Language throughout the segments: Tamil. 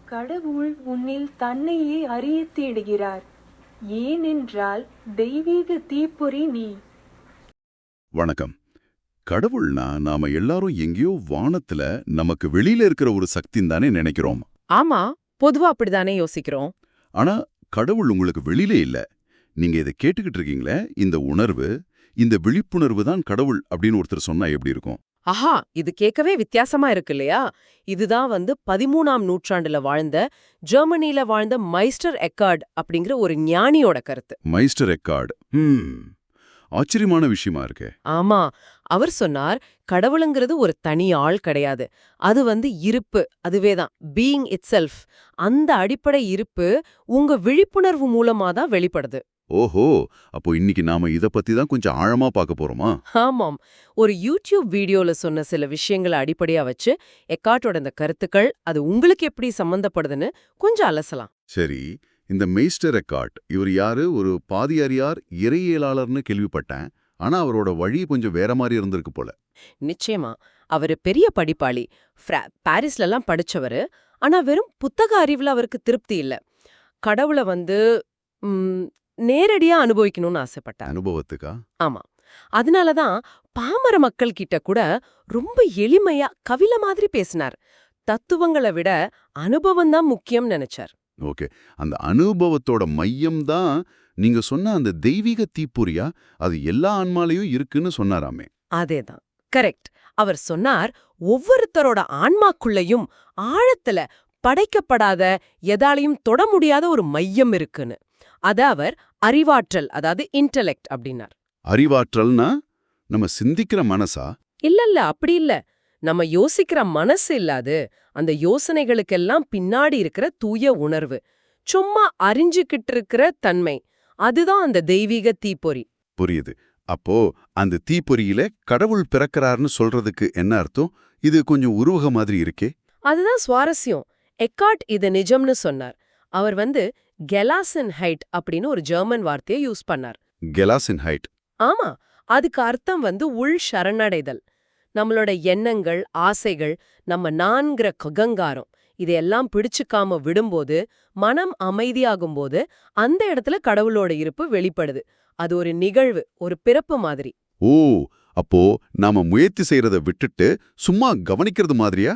கடவுள் உன்னில் தன்னையே அறியத் தேடுகிறார். ஏனென்றால் தெய்வீக தீப்பொறி நீ. வணக்கம். கடவுள்னா நாம எல்லாரும் எங்கேயோ வானத்துல நமக்கு வெளியில இருக்கிற ஒரு சக்தின்னு தானே நினைக்கிறோம். ஆமா, பொதுவா அப்படிதானே யோசிக்கிறோம். ஆனா கடவுள் உங்களுக்கு வெளியில இல்ல. நீங்க இதை கேட்டுக்கிட்டு இருக்கீங்களே, இந்த உணர்வு, இந்த விழிப்புணர்வு தான் கடவுள் அப்படின்னு ஒருத்தர் சொன்னா எப்படி இருக்கும்? ஆஹா, இது கேட்கவே வித்தியாசமா இருக்கு இல்லையா? இதுதான் 13ஆம் நூற்றாண்டுல வாழ்ந்த, ஜெர்மனில வாழ்ந்த மைஸ்டர் எக்கார்ட் அப்படிங்கிற ஒரு ஞானியோட கருத்து. Meister Eckhart. ஆச்சரியமான விஷயமா இருக்கே. ஆமா, அவர் சொன்னார், கடவுளுங்கிறது ஒரு தனி ஆள் கிடையாது. அது இருப்பு, அதுவேதான் பீயிங் இட்செல்ஃப். அந்த அடிப்படை இருப்பு உங்க விழிப்புணர்வு மூலமா தான் வெளிப்படுது. ஓஹோ, அப்போ இன்னைக்கு நாம இத பத்தி தான் கொஞ்சம் ஆழமா பார்க்க போறோமா? ஆமாம், ஒரு யூடியூப் வீடியோல சொன்ன சில விஷயங்களை அடிப்படையா வச்சு எக்கார்ட்டோட இந்த கருத்துக்கள் அது உங்களுக்கு எப்படி சம்பந்தப்படுதுன்னு கொஞ்சம் அலசலாம். சரி, இந்த மெய்ஸ்டர் எக்கார்ட் இவர் யாரு? ஒரு பாதியாரியார் இறையியலாளர்னு கேள்விப்பட்டேன். ஆனா அவரோட வழி கொஞ்சம் வேற மாதிரி இருந்திருக்கு போல. நிச்சயமா, அவரு பெரிய படிப்பாளி, பாரிஸ்லலாம் படிச்சவரு. ஆனா வெறும் புத்தக அறிவுல அவருக்கு திருப்தி இல்ல. கடவுளை ம், நேரடியா அனுபவிக்கணும்னு ஆசைப்பட்டார். அனுபவத்துக்கா? ஆமா, அதனாலதான் பாமர மக்கள் கிட்ட கூட ரொம்ப எளிமையா கவில மாதிரி பேசினார். தத்துவங்களை விட அனுபவம் தான் முக்கியம் நினைச்சார். ஓகே, அந்த அனுபவத்தோட மையம் தான் நீங்க சொன்ன அந்த தெய்வீக தீப்பொறியா? அது எல்லா ஆன்மாலையும் இருக்குன்னு சொன்னாராமே. அதேதான், கரெக்ட். அவர் சொன்னார், ஒவ்வொருத்தரோட ஆன்மாக்குள்ளயும் ஆழத்துல படைக்கப்படாத, எதாலையும் தொட முடியாத ஒரு மையம் இருக்குன்னு. அத அவர் அறிவாற்றல், அதாவது இன்டெலெக்ட் அப்படின்னார். அறிவாற்றல்னா நம்ம சிந்திக்கிற மனசா? இல்ல, அப்படி இல்ல. நம்ம யோசிக்கிற மனசு இல்லாது, அந்த யோசனைகளுக்கெல்லாம் பின்னாடி இருக்கிற தூய உணர்வு, சும்மா அறிஞ்சுக்கிட்டு இருக்கிற தன்மை, அதுதான் அந்த தெய்வீக தீப்பொறி. புரியுது. அப்போ அந்த தீப்பொறியில கடவுள் பிறக்கிறார்னு சொல்றதுக்கு என்ன அர்த்தம்? இது கொஞ்சம் உருவக மாதிரி இருக்கே. அதுதான் சுவாரஸ்யம். எக்கார்ட் இது நிஜம்னு சொன்னார். அவர் கெலாசன்ஹைட் அப்படின்னு ஒரு ஜெர்மன் வார்த்தையை யூஸ் பண்ணார். கெலாசன்ஹைட்? ஆமா, அதுக்கு அர்த்தம் உள் சரணடைதல். நம்மளோட எண்ணங்கள், ஆசைகள், நம்ம நான்கிற ககங்காரம், இதையெல்லாம் பிடிச்சுக்காம விடும்போது, மனம் அமைதியாகும்போது அந்த இடத்துல கடவுளோட இருப்பு வெளிப்படுது. அது ஒரு நிகழ்வு, ஒரு பிறப்பு மாதிரி. ஓ, அப்போ நாம முயற்சி செய்யறத விட்டுட்டு சும்மா கவனிக்கிறது மாதிரியா?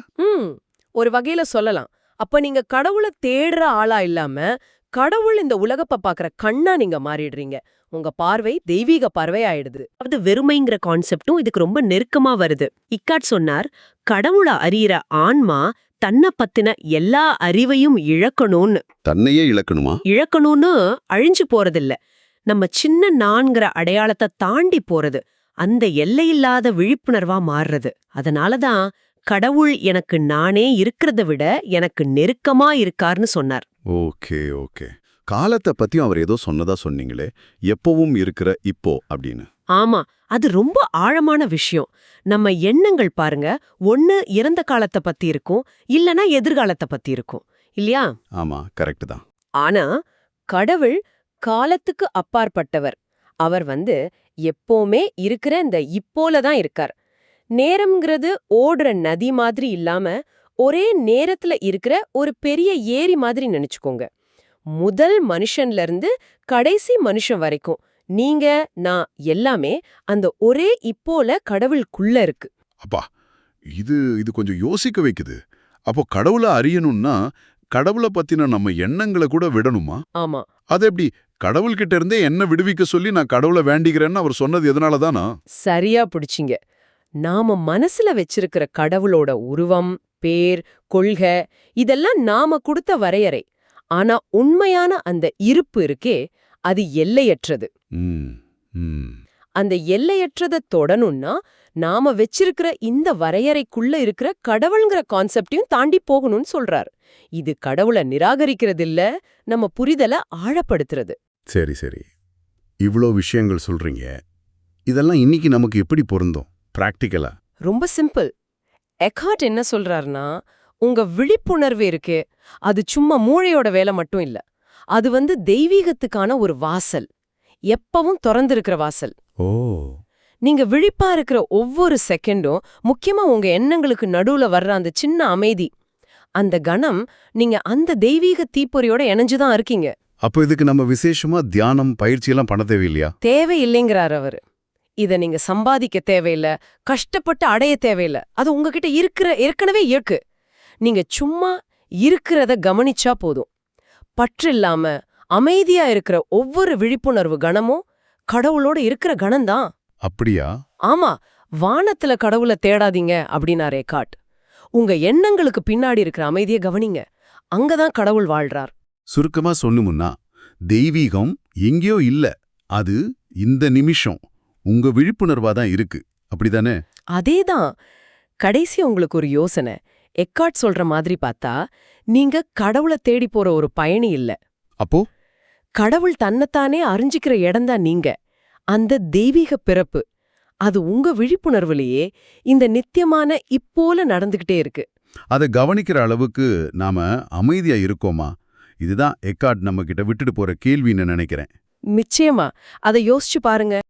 ஒரு வகையில சொல்லலாம். அப்ப நீங்க கடவுளை தேடுற ஆளா இல்லாம, கடவுள் இந்த உலகப்ப பாக்குற கண்ணா நீங்க மாறிடுறீங்க. உங்க பார்வை தெய்வீக பார்வை ஆயிடுது. அது வெறுமைங்கிற கான்செப்டும் இதுக்கு ரொம்ப நெருக்கமா வருது. இக்காட் சொன்னார், கடவுளை அறியிற ஆன்மா தன்னை பத்தின எல்லா அறிவையும் இழக்கணும்னு. தன்னையே இழக்கணுமா? இழக்கணும்னு அழிஞ்சு போறதில்ல, நம்ம சின்ன நான்கிற அடையாளத்தை தாண்டி போறது, அந்த எல்லையில்லாத விழிப்புணர்வா மாறுறது. அதனாலதான் கடவுள் எனக்கு நானே இருக்கிறத விட எனக்கு நெருக்கமா இருக்கார்னு சொன்னார். Okay okay. காலத்தை பத்தியும் அவர் ஏதோ சொன்னதா சொன்னீங்களே, எப்பவும் இருக்கிற இப்போ அப்படின்னு. ஆமா, அது ரொம்ப ஆழமான விஷயம். நம்ம எண்ணங்கள் பாருங்க, ஒண்ணு இறந்த காலத்தை பத்தி இருக்கும், இல்லனா எதிர்காலத்தை பத்தி இருக்கும் இல்லையா? ஆமா, கரெக்ட் தான். ஆனா கடவுள் காலத்துக்கு அப்பாற்பட்டவர். அவர் எப்பவுமே இருக்கிற இந்த இப்போல தான் இருக்கார். நேரம்ங்கிறது ஓடுற நதி மாதிரி இல்லாம, ஒரே நேரத்துல இருக்கிற ஒரு பெரிய ஏரி மாதிரி நினைச்சுக்கோங்க. முதல் மனுஷன்ல இருந்து கடைசி மனுஷன் வரைக்கும் நீங்க, நான் எல்லாமே அந்த ஒரே இப்போல கடவுளுக்குள்ள இருக்கு. அப்பா, இது இது கொஞ்சம் யோசிக்க வைக்குது. அப்போ கடவுளை அறியணும்னா கடவுளை பத்தின நம்ம எண்ணங்களை கூட விடணுமா? ஆமா. அது எப்படி? கடவுள்கிட்ட இருந்தே என்ன விடுவிக்க சொல்லி நான் கடவுளை வேண்டிக்கிறேன்னு அவர் சொன்னது எதனாலதானா? சரியா பிடிச்சிங்க. நாம மனசுல வச்சிருக்கிற கடவுளோட உருவம், பேர், கொள்கை, இதெல்லாம் நாம கொடுத்த வரையறை. ஆனா உண்மையான அந்த இருப்பு இருக்கே, அது எல்லையற்றது. அந்த எல்லையற்றதை தொடணும்னா நாம வச்சிருக்கிற இந்த வரையறைக்குள்ள இருக்கிற கடவுள்ங்கிற கான்செப்டையும் தாண்டி போகணும்னு சொல்றாரு. இது கடவுளை நிராகரிக்கிறது இல்ல, நம்ம புரிதலை ஆழப்படுத்துறது. சரி சரி, இவ்ளோ விஷயங்கள் சொல்றீங்க. இதெல்லாம் இன்னைக்கு நமக்கு எப்படி பொருந்தும் பிராக்டிக்கலா? ரொம்ப சிம்பிள். எக்கார்ட் என்ன சொல்றாருன்னா, உங்க விழிப்புணர்வு இருக்கே, அது சும்மா மூளையோட வேலை மட்டும் இல்ல. அது தெய்வீகத்துக்கான ஒரு வாசல், எப்பவும் திறந்திருக்கிற வாசல். ஓ, நீங்க விழிப்பா இருக்கிற ஒவ்வொரு செகண்டும், முக்கியமா உங்க எண்ணங்களுக்கு நடுவுல வர்ற அந்த சின்ன அமைதி, அந்த கணம் நீங்க அந்த தெய்வீக தீப்பொறியோட இணைஞ்சுதான் இருக்கீங்க. அப்போ இதுக்கு நம்ம விசேஷமா தியானம் பயிற்சியெல்லாம் பண்ண தேவையில்லையா? தேவையில்லைங்கிறார் அவரு. இத நீங்க சம்பாதிக்க தேவையில்ல, கஷ்டப்பட்டு அடைய தேவையில்ல. அது உங்ககிட்ட ஏற்கனவே இருக்கு. நீங்க சும்மா இருக்கிறத கவனிச்சா போதும். பற்றில்லாம அமைதியா இருக்கிற ஒவ்வொரு விழிப்புணர்வு கணமும் கடவுளோட இருக்கிற கணம்தான். அப்படியா? ஆமா, வானத்துல கடவுளை தேடாதீங்க அப்படின்னார் எக்கார்ட். உங்க எண்ணங்களுக்கு பின்னாடி இருக்கிற அமைதியை கவனிங்க. அங்கதான் கடவுள் வாழ்றார். சுருக்கமா சொன்னுமுன்னா, தெய்வீகம் எங்கேயோ இல்ல, அது இந்த நிமிஷம் உங்க விழிப்புணர்வா தான் இருக்கு. அப்படிதானே? அதேதான். கடைசி உங்களுக்கு ஒரு யோசனை. எக்கார்ட் சொல்ற மாதிரி பார்த்தா, நீங்க கடவுளை தேடி போற ஒரு பயணி இல்ல. அப்போ கடவுள் தன்னைத்தானே அறிஞ்சிக்கிற இடம்தான் நீங்க. அந்த தெய்வீக பிறப்பு அது உங்க விழிப்புணர்வுலயே இந்த நித்தியமான இப்போல நடந்துகிட்டே இருக்கு. அதை கவனிக்கிற அளவுக்கு நாம அமைதியா இருக்கோமா? இதுதான் எக்கார்ட் நம்ம கிட்ட விட்டுட்டு போற கேள்வின்னு நினைக்கிறேன். நிச்சயமா அதை யோசிச்சு பாருங்க.